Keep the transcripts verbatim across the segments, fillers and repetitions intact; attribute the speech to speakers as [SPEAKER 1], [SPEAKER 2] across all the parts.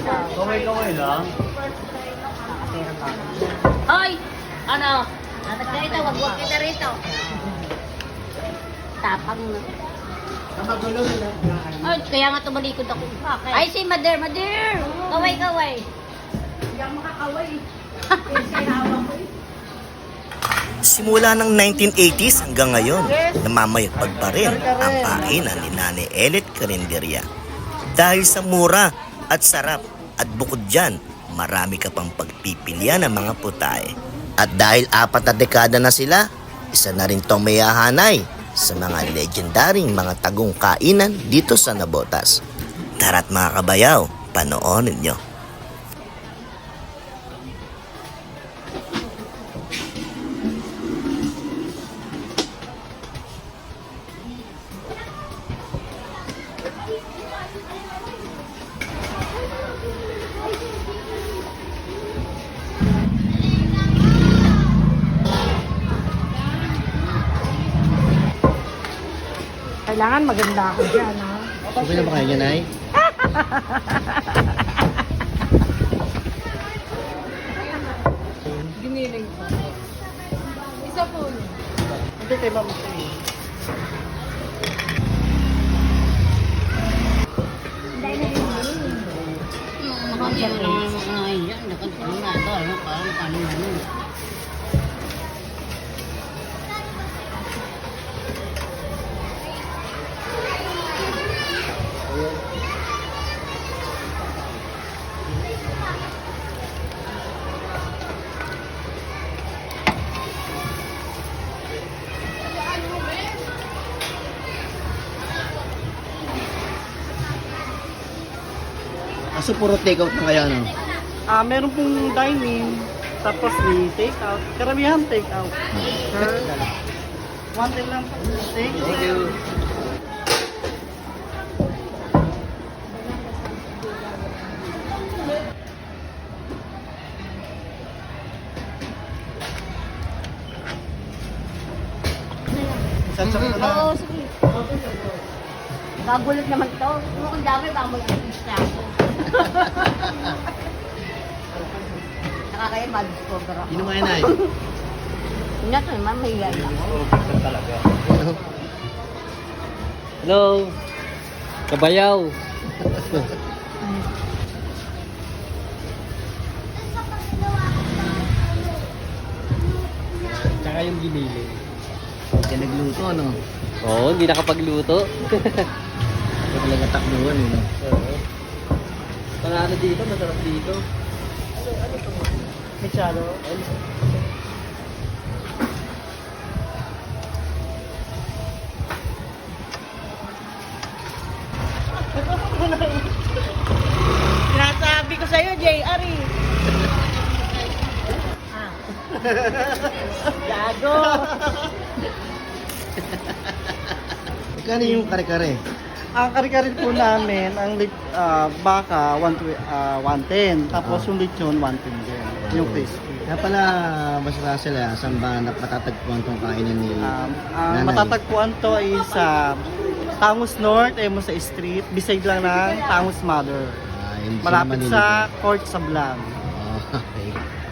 [SPEAKER 1] Kaway-kaway lang.
[SPEAKER 2] Hoy! Ano? Atak ka rito, wag wag kita rito. Tapang na. Ay, kaya nga tumalikod ako. Ay, si Mader, Mader! Kaway, kaway. Hindi ako makakaway.
[SPEAKER 3] Simula ng nineteen eighties hanggang ngayon, namamayagpag pa rin ang kainan ni Nanay Elet Carinderia. Dahil sa mura at sarap at bukod dyan, marami ka pang pagpipilian ng mga putahe. At dahil apat na dekada na sila, isa na rin tong mayahanay sa mga legendaring mga tagong kainan dito sa Navotas. Tara't mga kabayaw, panoorin nyo.
[SPEAKER 4] Kailangan maganda ako dyan, ha?
[SPEAKER 3] Okay na ba kayo, Nay?
[SPEAKER 4] Giniling ko. Isa po. Hindi kay Mama Shay.
[SPEAKER 3] Aso puro take out na kaya, no?
[SPEAKER 1] Ah, meron pong dining, tapos may take out. Karamihan take out. Sir, one thing lang po. Thank you.
[SPEAKER 3] Thank you.
[SPEAKER 1] Saan sa po na?
[SPEAKER 2] Oo, sige. Kagulat naman to. Kung dami, baka mag-assist na ako. Nakakaya, ma-discover ako.
[SPEAKER 3] Sino kayo, Nay?
[SPEAKER 2] Hindi ito naman, may hiyay ako.
[SPEAKER 1] Talaga.
[SPEAKER 5] Hello, kabayaw. Tsaka yung giniling.
[SPEAKER 3] Kaya nagluto, ano?
[SPEAKER 5] Oo, hindi nakapagluto.
[SPEAKER 3] Ito talaga takbuhan, eh, no?
[SPEAKER 5] Panalo dito, masarap dito.
[SPEAKER 1] Micharo.
[SPEAKER 4] Sinasabi ko sa'yo, J R eh. Gago.
[SPEAKER 3] Magkano yung kare-kare?
[SPEAKER 1] Ang kari-kari po namin, ang lit, ah, baka one ten, tapos yung lechon one ten din. Yung crispy.
[SPEAKER 3] Kaya pala, basta sila, saan ba napatatagpuan tong kainan ni
[SPEAKER 1] Um, ang
[SPEAKER 3] Nanay?
[SPEAKER 1] matatagpuan to ay sa Tangus North, Emusa Street, beside lang ng Tangus Mother.
[SPEAKER 3] Ah, hindi sila
[SPEAKER 1] Malapit
[SPEAKER 3] Manila.
[SPEAKER 1] sa Court Sablan.
[SPEAKER 3] Oh, okay.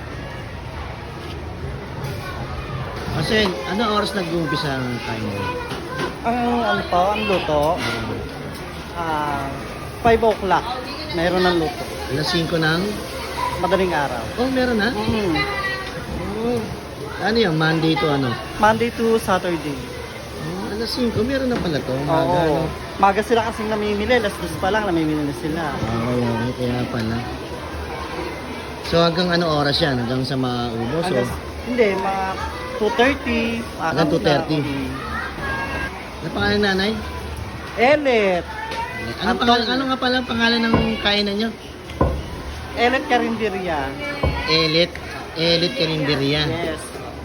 [SPEAKER 3] Kasi, ano oras nag-uumpisa ang kainan?
[SPEAKER 1] Ang ano po, ang luto, ah five o'clock, mayroon ng luto.
[SPEAKER 3] Alas singko ng...
[SPEAKER 1] Madaling araw.
[SPEAKER 3] Oh, meron na?
[SPEAKER 1] Mm.
[SPEAKER 3] Oh. Ano yung Monday to ano?
[SPEAKER 1] Monday to Saturday.
[SPEAKER 3] Oh, alas singko, meron na pala to. Maga,
[SPEAKER 1] Oo.
[SPEAKER 3] ano?
[SPEAKER 1] Maga sila kasing namimili, alas dos pa lang namimili na sila.
[SPEAKER 3] Oo, okay, kaya pala. So hanggang ano oras yan? Hanggang sa maubos?
[SPEAKER 1] Alas,
[SPEAKER 3] O?
[SPEAKER 1] hindi, mga two thirty.
[SPEAKER 3] Hanggang two thirty? Ano pangalan ng nanay?
[SPEAKER 1] Elet.
[SPEAKER 3] Ano, pangalan, ano nga pala ang pangalan ng kainan nyo?
[SPEAKER 1] Elet Carinderia.
[SPEAKER 3] Elit. Elit Carinderia.
[SPEAKER 1] Yes.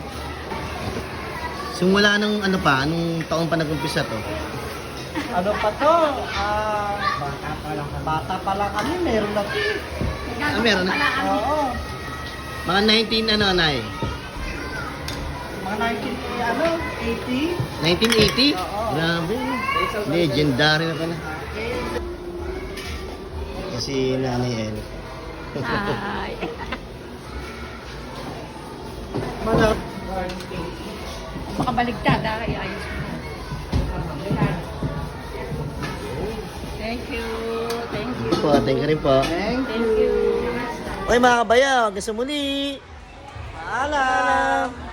[SPEAKER 3] Simula nung ano pa? Anong taon pa nag-umpisa to?
[SPEAKER 1] Ano pa to? Ah, bata pa lang kami. Bata pa lang kami, meron na.
[SPEAKER 3] Ah, meron na?
[SPEAKER 1] Oo.
[SPEAKER 3] Mga nineteen ano, nay?
[SPEAKER 1] Mga nineteen, ano, eighty.
[SPEAKER 3] nineteen eighty?
[SPEAKER 1] Oo.
[SPEAKER 3] Grabe. Legendary na pala. Kasi Nanay El.
[SPEAKER 2] Hi.
[SPEAKER 1] Manap.
[SPEAKER 2] Baka baligtad, ah. Ay, ayos mo. Thank you. Thank you.
[SPEAKER 3] Po, thank you rin po.
[SPEAKER 1] Thank
[SPEAKER 2] Thank you.
[SPEAKER 3] Oy mga kabayaw, hanggang sa muli.
[SPEAKER 1] Paalam.